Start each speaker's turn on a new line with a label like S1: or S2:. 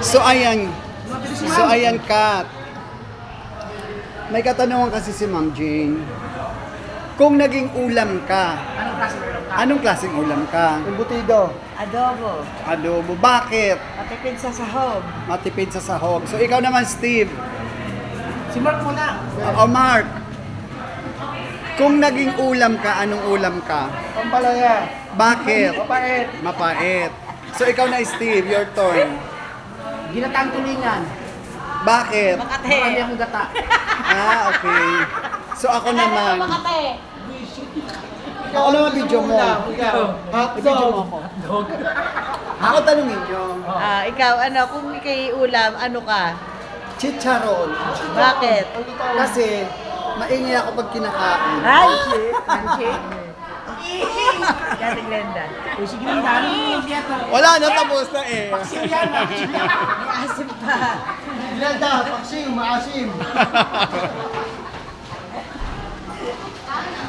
S1: So ayan. So ayan, Kat. May katanungan kasi si Ma'am Jane. Kung naging ulam ka, anong klaseng ulam ka?
S2: Embutido.
S3: Adobo.
S1: Adobo. Bakit?
S3: Matipid sa sahog.
S1: Matipid sa sahog. So ikaw naman, Steve.
S2: Si Mark muna.
S1: O Mark. Kung naging ulam ka, anong ulam ka?
S2: Pampalaya.
S1: Bakit?
S2: Mapait.
S1: Mapait. So ikaw na, Steve, your turn.
S2: Ginatang tulingan.
S1: Bakit?
S3: Makate.
S2: Marami akong gata.
S1: Ah, okay. So ako naman.
S3: Makate.
S1: Ako naman video mo.
S2: Hotdog.
S1: Ako tanungin nyo.
S3: Ikaw, ano, kung ikay ulam, ano ka?
S1: Chicharon.
S3: Bakit?
S1: Kasi maingay ako pag kinakain.
S3: Ay, shit. Handshake. Gati Glenda.
S2: Sige lang, dami yung dieta.
S1: Wala na, tapos na eh.
S3: May asim pa.
S2: Glenda, paksiw, maasim.